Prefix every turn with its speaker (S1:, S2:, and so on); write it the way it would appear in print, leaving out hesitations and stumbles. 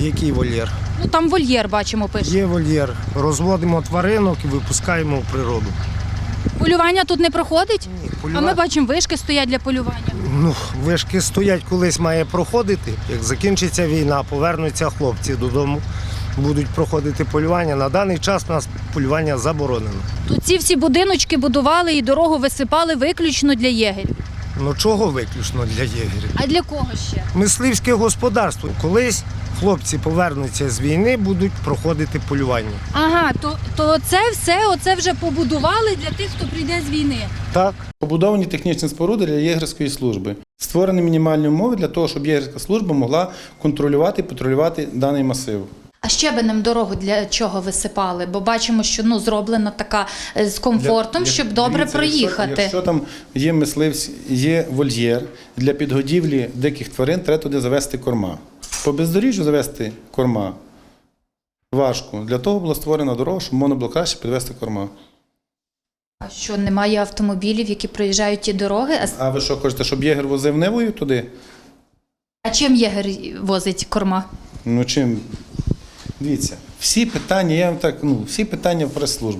S1: Який вольєр?
S2: Ну там вольєр, бачимо, пише.
S1: Є вольєр. Розводимо тваринок і випускаємо в природу.
S2: Полювання тут не проходить?
S1: Ні,
S2: А ми бачимо, вишки стоять для полювання.
S1: Ну, вишки стоять, колись має проходити. Як закінчиться війна, повернуться хлопці додому, будуть проходити полювання. На даний час у нас полювання заборонено.
S2: Тут ці всі будиночки будували і дорогу висипали виключно для єгерів.
S1: Ну чого виключно для єгерів?
S2: А для кого ще?
S1: Мисливське господарство. Колись хлопці повернуться з війни, будуть проходити полювання.
S2: Ага, то це все оце вже побудували для тих, хто прийде з війни.
S1: Так.
S3: Побудовані технічні споруди для єгерської служби. Створені мінімальні умови для того, щоб єгерська служба могла контролювати і патрулювати даний масив.
S2: А щебенем дорогу для чого висипали? Бо бачимо, що зроблена така з комфортом, щоб добре
S3: Дивіться,
S2: проїхати.
S3: Якщо там є мисливці, є вольєр, для підгодівлі диких тварин треба туди завести корма. По бездоріжжю завести корма важко. Для того була створена дорога, щоб можна було краще підвести корма.
S2: А що, немає автомобілів, які проїжджають ті дороги?
S3: А ви що, хочете, щоб єгер возив Нивою туди?
S2: А чим єгер возить корма?
S3: Ну чим? Дивіться, всі питання, всі питання в прес-службі.